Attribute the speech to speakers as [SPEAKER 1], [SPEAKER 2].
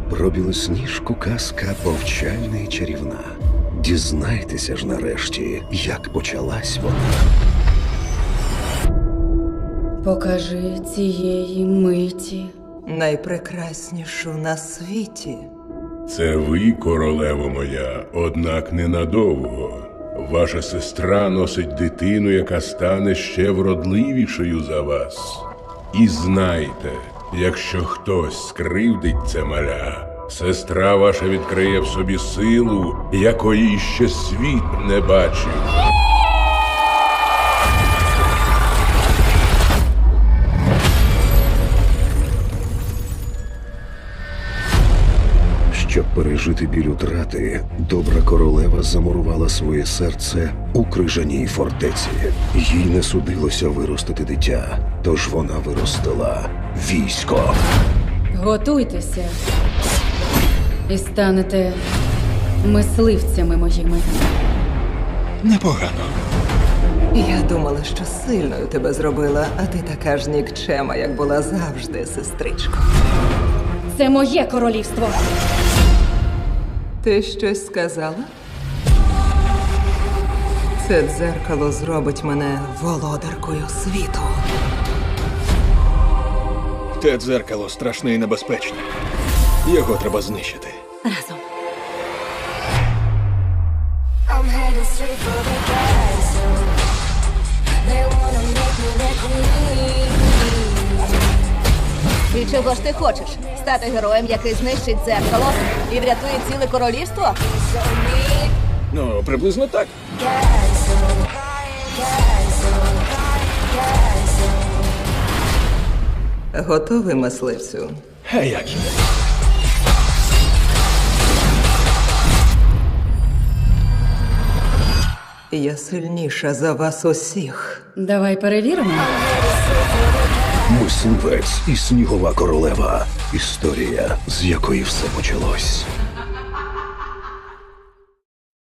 [SPEAKER 1] Про білосніжку казка повчальна і чарівна. Дізнайтеся ж нарешті, як почалась вона.
[SPEAKER 2] Покажи цієї миті.
[SPEAKER 3] Найпрекраснішу на світі.
[SPEAKER 4] Це ви, королево моя, однак ненадовго. Ваша сестра носить дитину, яка стане ще вродливішою за вас. І знайте, якщо хтось скривдить це маля, сестра ваша відкриє в собі силу, якої ще світ не бачив.
[SPEAKER 1] Щоб пережити біль утрати, добра королева замурувала своє серце у крижаній фортеці. Їй не судилося виростити дитя, тож вона виростила військо.
[SPEAKER 2] Готуйтеся і станете мисливцями моїми.
[SPEAKER 5] Непогано.
[SPEAKER 3] Я думала, що сильною тебе зробила, а ти така ж нікчема, як була завжди, сестричко.
[SPEAKER 2] Це моє королівство.
[SPEAKER 3] Ти щось сказала? Це дзеркало зробить мене володаркою світу.
[SPEAKER 5] Те дзеркало страшне і небезпечне. Його треба знищити.
[SPEAKER 2] Разом.
[SPEAKER 6] I'm headed straight for the castle. They wanna make me their queen.
[SPEAKER 7] І чого ж ти хочеш? Стати героєм, який знищить дзеркало і врятує ціле королівство?
[SPEAKER 6] So mean.
[SPEAKER 5] Ну, приблизно так.
[SPEAKER 6] Castle, castle, castle.
[SPEAKER 3] Готовий, мисливцю?
[SPEAKER 5] А як же?
[SPEAKER 3] Я сильніша за вас усіх.
[SPEAKER 2] Давай перевіримо.
[SPEAKER 1] Мисливець і снігова королева. Історія, з якої все почалось.